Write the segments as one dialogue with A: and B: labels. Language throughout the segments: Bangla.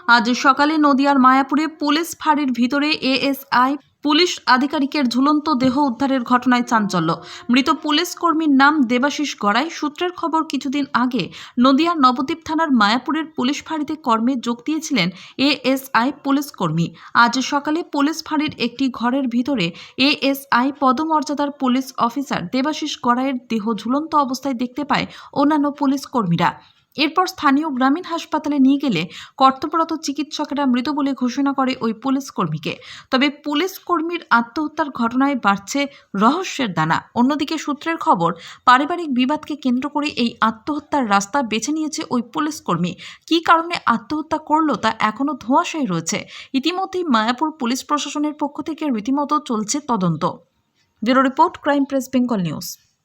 A: আজ সকালে নদিয়ার মায়াপুরে পুলিশ ফাঁড়ির ভিতরে এএসআই পুলিশ আধিকারিকের ঝুলন্ত দেহ উদ্ধারের ঘটনায় চাঞ্চল্য। মৃত পুলিশ কর্মীর নাম দেবাশিস গড়াই। সূত্রের খবর, কিছুদিন আগে নদিয়ার নবদ্বীপ থানার মায়াপুরের পুলিশ ফাঁড়িতে কর্মে যোগ দিয়েছিলেন এএসআই পুলিশ কর্মী। আজ সকালে পুলিশ ফাঁড়ির একটি ঘরের ভিতরে এএসআই পদমর্যাদার পুলিশ অফিসার দেবাশিস গড়াইয়ের দেহ ঝুলন্ত অবস্থায় দেখতে পায় অন্যান্য পুলিশ কর্মীরা। এরপর স্থানীয় গ্রামীণ হাসপাতালে নিয়ে গেলে কর্তব্যরত চিকিৎসকেরা মৃত বলে ঘোষণা করে ওই পুলিশ কর্মীকে। তবে পুলিশ কর্মীর আত্মহত্যার ঘটনায় বাড়ছে রহস্যের দানা। অন্যদিকে সূত্রের খবর, পারিবারিক বিবাদকে কেন্দ্র করে এই আত্মহত্যার রাস্তা বেছে নিয়েছে ওই পুলিশ কর্মী। কী কারণে আত্মহত্যা করলো তা এখনও ধোঁয়াশায় রয়েছে। ইতিমধ্যেই মায়াপুর পুলিশ প্রশাসনের পক্ষ থেকে রীতিমতো চলছে তদন্ত। Bureau report, crime press Bengal news.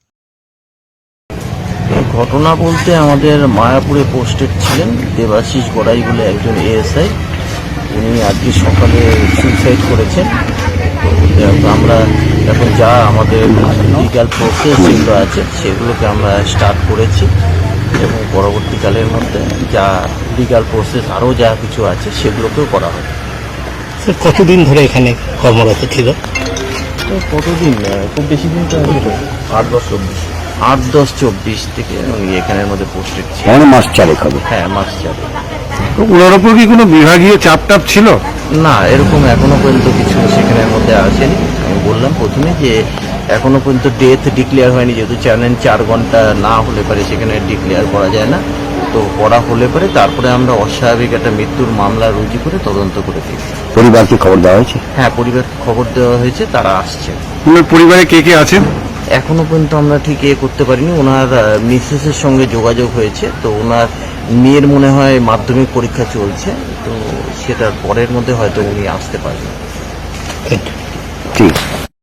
B: ঘটনা বলতে আমাদের মায়াপুরে পোস্টেড ছিলেন দেবাশিস গড়াই বলে একজন এএসআই। উনি আজকে সকালে সুইসাইড করেছেন। তো আমরা এখন যা আমাদের লিগ্যাল প্রসেস যেগুলো আছে সেগুলোকে আমরা স্টার্ট করেছি এবং পরবর্তীকালের মধ্যে যা লিগ্যাল প্রসেস আরও যা কিছু আছে সেগুলোকেও করা হবে।
C: স্যার, কতদিন ধরে এখানে কর্মরত ছিল?
B: তো কতদিন, খুব বেশি দিন তো 8-10-24 থেকে উনি এখানের মধ্যে পোস্টেড ছিল।
C: মাস চারেক হবে।
B: হ্যাঁ, মাস যাবে।
C: তো ওনার ওপর কি কোনো বিভাগীয় চাপ ছিল?
B: না, এরকম এখনো পর্যন্ত কিছু সেখানের মধ্যে আসেনি। আমি বললাম প্রথমে যে এখনো পর্যন্ত ডেথ ডিক্লেয়ার হয়নি, যেহেতু 4 ঘন্টা না হলে পারে সেখানে ডিক্লেয়ার করা যায় না। তো করা হলে পরে তারপরে আমরা অস্বাভাবিক একটা মৃত্যুর মামলা রুজু করে তদন্ত করে দিই।
C: পরিবারকে খবর দেওয়া হয়েছে?
B: হ্যাঁ, পরিবারকে খবর দেওয়া হয়েছে, তারা আসছে।
C: ওনার পরিবারে কে কে আছেন?
B: এখনো পর্যন্ত আমরা ঠিক করতে পারিনি। ওনার মিসেসের সঙ্গে যোগাযোগ হয়েছে। তো ওনার মেয়ের মনে হয় মাধ্যমিক পরীক্ষা চলছে, তো সেটার পরের মধ্যে হয়তো উনি আসতে পারবেন।
C: ঠিক।